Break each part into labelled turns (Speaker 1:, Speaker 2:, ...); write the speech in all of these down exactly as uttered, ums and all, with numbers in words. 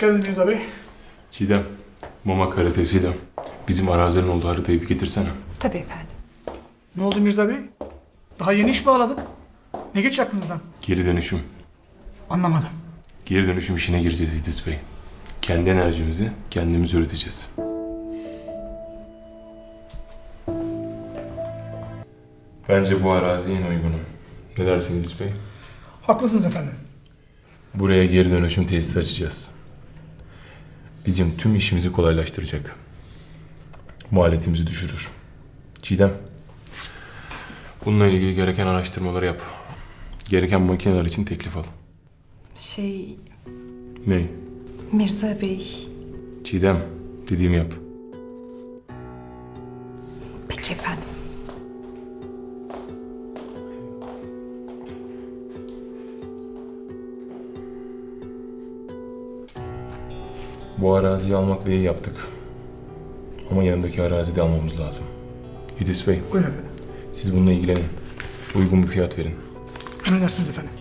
Speaker 1: geldiniz Mirza Bey.
Speaker 2: Çiğdem, mama karatesiyle bizim arazinin olduğu haritayı bir getirsene.
Speaker 3: Tabii efendim.
Speaker 1: Ne oldu Mirza Bey? Daha yeni iş bağladık. Ne geç aklınızdan?
Speaker 2: Geri dönüşüm.
Speaker 1: Anlamadım.
Speaker 2: Geri dönüşüm işine gireceğiz İdris Bey. Kendi enerjimizi kendimiz üreteceğiz. Bence bu arazi en uygunu. Ne dersiniz İdris Bey?
Speaker 1: Haklısınız efendim.
Speaker 2: Buraya geri dönüşüm tesisi açacağız. Bizim tüm işimizi kolaylaştıracak. Maliyetimizi düşürür. Çiğdem, bununla ilgili gereken araştırmaları yap. Gereken makineler için teklif al.
Speaker 3: Şey,
Speaker 2: Ne?
Speaker 3: Mirza Bey.
Speaker 2: Çiğdem, dediğimi yap.
Speaker 3: Peki efendim.
Speaker 2: Bu araziyi almakla iyi yaptık. Ama yanındaki arazi de almamız lazım. İdris Bey,
Speaker 1: Buyurun efendim.
Speaker 2: siz bununla ilgilenin. Uygun bir fiyat verin.
Speaker 1: Emredersiniz efendim.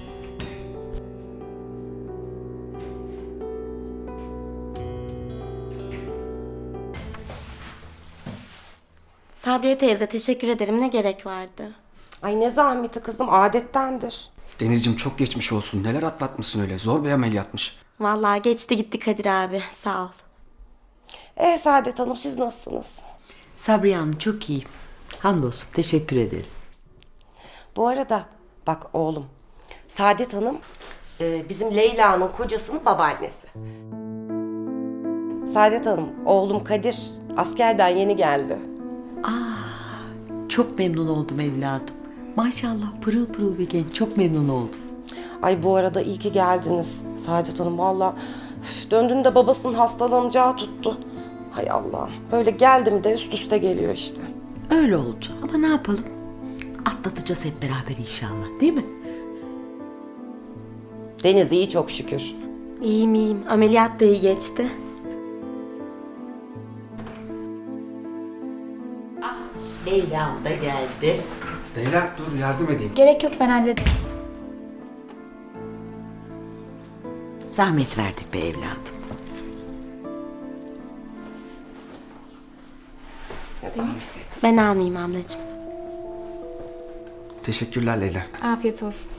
Speaker 4: Sabriye teyze teşekkür ederim. Ne gerek vardı?
Speaker 5: Ay ne zahmeti kızım, adettendir.
Speaker 6: Denizciğim çok geçmiş olsun. Neler atlatmışsın öyle. Zor bir ameliyatmış.
Speaker 4: Vallahi geçti gitti Kadir abi. Sağ ol.
Speaker 5: Eh Saadet Hanım, siz nasılsınız?
Speaker 7: Sabriye Hanım çok iyi. Hamdolsun teşekkür ederiz.
Speaker 5: Bu arada bak oğlum, Saadet Hanım e, bizim Leyla'nın kocasının babaannesi. Saadet Hanım, oğlum Kadir askerden yeni geldi.
Speaker 7: Çok memnun oldum evladım. Maşallah pırıl pırıl bir genç. Çok memnun oldum.
Speaker 5: Ay bu arada iyi ki geldiniz Saadet Hanım, valla döndüğünde babasının hastalanacağı tuttu. Hay Allah'ım, böyle geldi mi de üst üste geliyor işte.
Speaker 7: Öyle oldu ama ne yapalım? Atlatacağız hep beraber inşallah değil mi?
Speaker 5: Deniz iyi çok şükür.
Speaker 4: İyiyim iyiyim. Ameliyat da iyi geçti.
Speaker 7: Leyla'm da geldi.
Speaker 6: Leyla dur yardım edeyim.
Speaker 8: Gerek yok, ben hallederim.
Speaker 7: Zahmet verdik be evladım.
Speaker 5: Ne zahmet.
Speaker 4: Ben almayayım ablacığım.
Speaker 6: Teşekkürler Leyla.
Speaker 8: Afiyet olsun.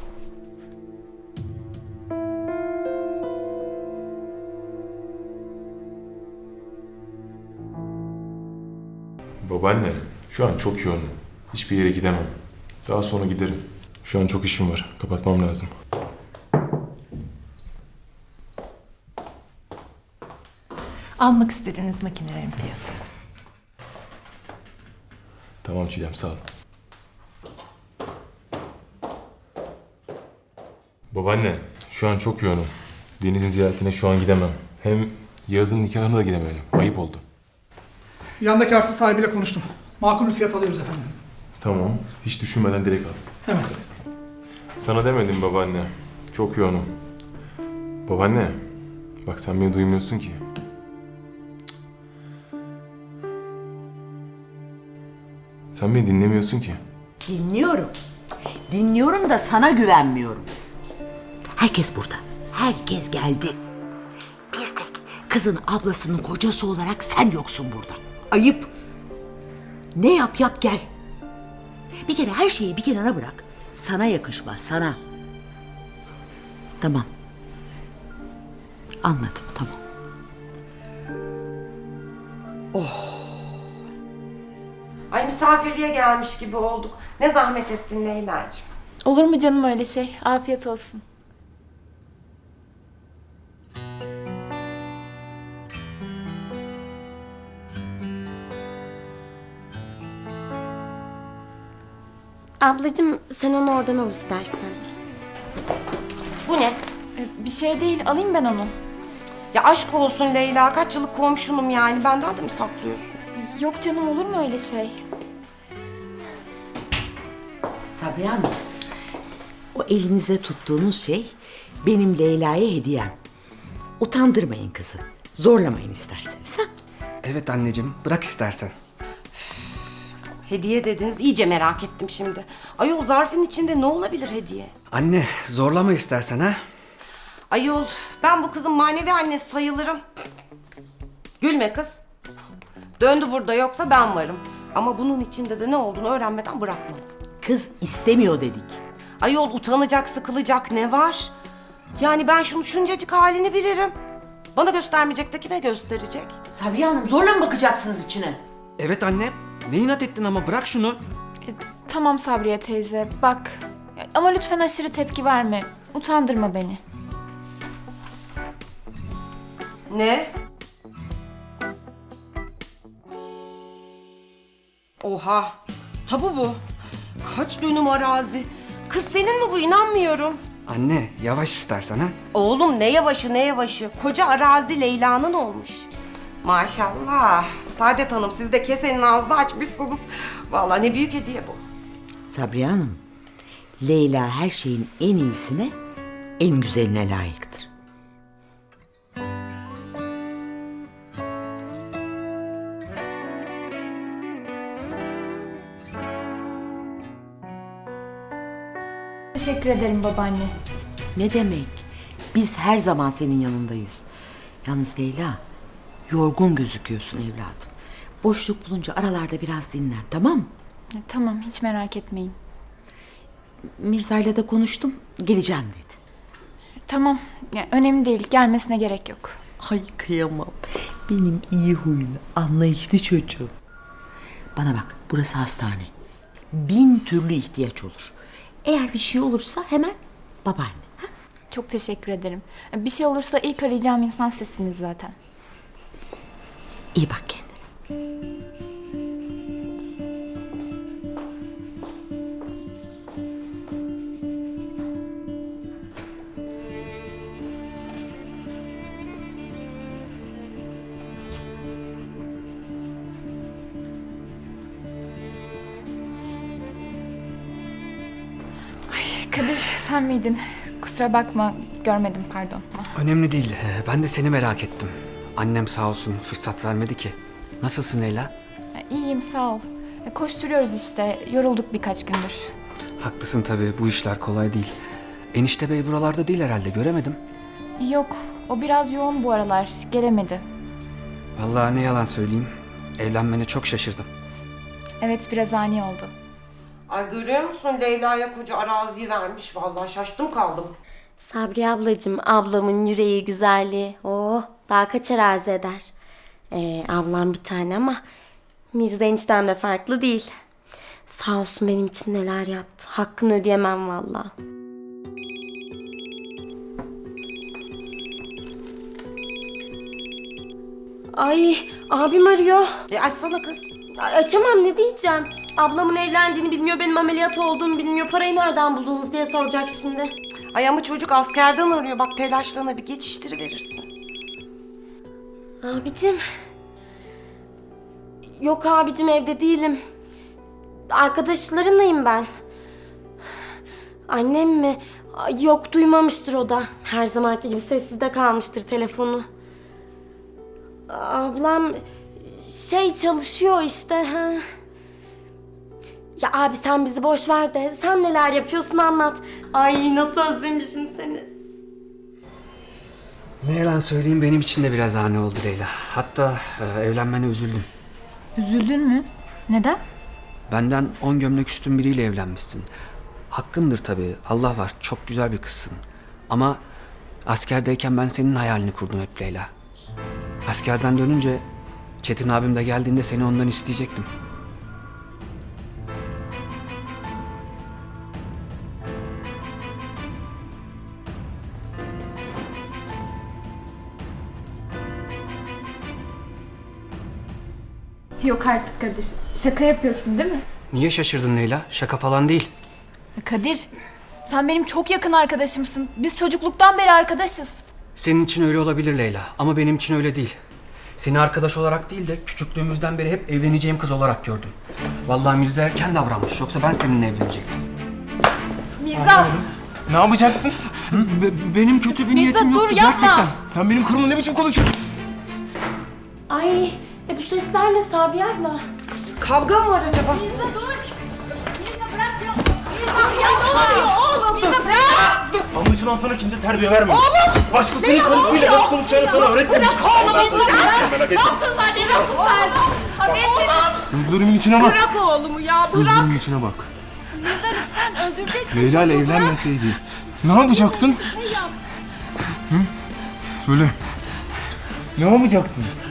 Speaker 2: Babaanne, şu an çok yoğunum. Hiçbir yere gidemem. Daha sonra giderim. Şu an çok işim var. Kapatmam lazım.
Speaker 3: Almak istediğiniz makinelerin fiyatı.
Speaker 2: Tamam Çiğdem, sağ ol. Babaanne, şu an çok yoğunum. Deniz'in ziyaretine şu an gidemem. Hem Yağız'ın nikahına da gidemedim. Ayıp oldu.
Speaker 1: Yandaki arsa sahibiyle konuştum. Makul bir fiyat alıyoruz efendim.
Speaker 2: Tamam, hiç düşünmeden direkt al.
Speaker 1: Hemen.
Speaker 2: Sana demedim babaanne. Çok yoğunum. Babaanne, bak sen beni duymuyorsun ki. Sen beni dinlemiyorsun ki.
Speaker 7: Dinliyorum. Dinliyorum da sana güvenmiyorum. Herkes burada. Herkes geldi. Bir tek kızın ablasının kocası olarak sen yoksun burada. Ayıp. Ne yap yap gel. Bir kere her şeyi bir kenara bırak. Sana yakışmaz sana. Tamam. Anladım tamam.
Speaker 5: Ay misafirliğe gelmiş gibi olduk. Ne zahmet ettin Leyla'cığım.
Speaker 8: Olur mu canım öyle şey? Afiyet olsun.
Speaker 4: Ablacığım sen onu oradan al istersen.
Speaker 5: Bu ne?
Speaker 8: Ee, Bir şey değil, alayım ben onu.
Speaker 5: Ya aşk olsun Leyla, kaç yıllık komşunum yani. Benden de mi saklıyorsun?
Speaker 8: Yok canım, olur mu öyle şey?
Speaker 7: Sabriye Hanım, o elinizde tuttuğunuz şey benim Leyla'ya hediyem. Utandırmayın kızı. Zorlamayın isterseniz. Ha?
Speaker 6: Evet anneciğim bırak istersen.
Speaker 5: Hediye dediniz, iyice merak ettim şimdi. Ay o zarfın içinde ne olabilir hediye?
Speaker 6: Anne zorlama istersen ha.
Speaker 5: Ayol, ben bu kızın manevi annesi sayılırım. Gülme kız. Döndü burada, yoksa ben varım. Ama bunun içinde de ne olduğunu öğrenmeden bırakmam.
Speaker 7: Kız istemiyor dedik.
Speaker 5: Ayol, utanacak, sıkılacak ne var? Yani ben şunun şuncacık halini bilirim. Bana göstermeyecek de kime gösterecek?
Speaker 7: Sabriye Hanım zorla mı bakacaksınız içine?
Speaker 6: Evet anne. Ne inat ettin ama bırak şunu.
Speaker 8: E, tamam Sabriye teyze bak. Ya, ama lütfen aşırı tepki verme. Utandırma beni.
Speaker 5: Ne? Oha! Tabu bu. Kaç dönüm arazi? Kız senin mi bu? İnanmıyorum.
Speaker 6: Anne yavaş istersen ha.
Speaker 5: Oğlum ne yavaşı ne yavaşı. Koca arazi Leyla'nın olmuş. Maşallah. Saadet Hanım, siz de kesenin ağzını açmışsınız. Vallahi ne büyük hediye bu.
Speaker 7: Sabriye Hanım, Leyla her şeyin en iyisine, en güzeline layıktır.
Speaker 8: Teşekkür ederim babaanne.
Speaker 7: Ne demek? Biz her zaman senin yanındayız. Yalnız Leyla, yorgun gözüküyorsun evladım. Boşluk bulunca aralarda biraz dinlen, tamam mı?
Speaker 8: E, tamam hiç merak etmeyin.
Speaker 7: Mirza'yla da konuştum, geleceğim dedi.
Speaker 8: E, tamam ya, önemli değil gelmesine gerek yok.
Speaker 7: Ay kıyamam. Benim iyi huylu, anlayışlı çocuğum. Bana bak, burası hastane. Bin türlü ihtiyaç olur. Eğer bir şey olursa hemen babaanne. Ha?
Speaker 8: Çok teşekkür ederim. E, bir şey olursa ilk arayacağım insan sizsiniz zaten.
Speaker 7: İyi bak kendine.
Speaker 8: Kadir sen miydin? Kusura bakma görmedim pardon.
Speaker 6: Önemli değil. Ee, Ben de seni merak ettim. Annem sağ olsun fırsat vermedi ki. Nasılsın Leyla?
Speaker 8: E, İyiyim sağ ol. E, koşturuyoruz işte yorulduk birkaç gündür.
Speaker 6: Haklısın tabii bu işler kolay değil. Enişte bey buralarda değil herhalde göremedim.
Speaker 8: Yok o biraz yoğun bu aralar gelemedi.
Speaker 6: Vallahi ne yalan söyleyeyim. Evlenmene çok şaşırdım.
Speaker 8: Evet biraz ani oldu.
Speaker 5: Ay görüyor musun, Leyla'ya koca araziyi vermiş. Vallahi şaştım kaldım.
Speaker 4: Sabriye ablacığım, ablamın yüreği, güzelliği. Oh, daha kaç arazi eder. Ee, ablam bir tane ama Mirza eniştem de farklı değil. Sağ olsun benim için neler yaptı. Hakkını ödeyemem vallahi. Ay, abim arıyor.
Speaker 5: E açsana kız.
Speaker 4: Ay, açamam, ne diyeceğim? Ablamın evlendiğini bilmiyor, benim ameliyat olduğumu bilmiyor. Parayı nereden buldunuz diye soracak şimdi.
Speaker 5: Ay ama çocuk askerden arıyor. Bak telaşlarına bir geçiştiriverirsin.
Speaker 4: Abicim. Yok abicim, evde değilim. Arkadaşlarımlayım ben. Annem mi? Ay, yok duymamıştır o da. Her zamanki gibi sessizde kalmıştır telefonu. Ablam şey çalışıyor işte. Ha. Ya abi sen bizi boş ver de sen neler yapıyorsun anlat. Ay nasıl özlemişim seni.
Speaker 6: Ne yalan söyleyeyim benim için de biraz ani oldu Leyla. Hatta e, evlenmene üzüldüm.
Speaker 8: Üzüldün mü? Neden?
Speaker 6: Benden on gömlek üstün biriyle evlenmişsin. Hakkındır tabii. Allah var. Çok güzel bir kızsın. Ama askerdeyken ben senin hayalini kurdum hep Leyla. Askerden dönünce Çetin abim de geldiğinde seni ondan isteyecektim.
Speaker 8: Yok artık Kadir. Şaka yapıyorsun değil mi?
Speaker 6: Niye şaşırdın Leyla? Şaka falan değil.
Speaker 8: Kadir, sen benim çok yakın arkadaşımsın. Biz çocukluktan beri arkadaşız.
Speaker 6: Senin için öyle olabilir Leyla ama benim için öyle değil. Seni arkadaş olarak değil de küçüklüğümüzden beri hep evleneceğim kız olarak gördüm. Vallahi Mirza erken davranmış yoksa ben seninle evlenecektim.
Speaker 8: Mirza!
Speaker 2: Ne yapacaktın?
Speaker 6: Be- benim kötü bir niyetim
Speaker 8: Mirza dur
Speaker 6: yoktu
Speaker 8: yapma!
Speaker 6: gerçekten.
Speaker 2: Sen benim karımla ne biçim konuşuyorsun?
Speaker 4: Ay e bu sesler ne Sabiha abla?
Speaker 5: Kavga mı var acaba?
Speaker 8: Mirza dur! Mirza bırak ya! Mirza ya ne oluyor oğlum?
Speaker 9: Anlaşılan sana kimse terbiye vermemiş. Oğlum! Başkasının karısıyla nasıl konuşacağını sana öğretmemiş. Bırak oğlumu! Ne yaptın sen? Ne yaptın sen? Gözlerimin içine bak.
Speaker 7: Bırak oğlumu ya bırak.
Speaker 9: Gözlerimin içine bak.
Speaker 8: Lütfen öldüreceksin.
Speaker 9: Leyla ile evlenmeseydi ne yapacaktın? Hı? Söyle. Ne yapacaktın?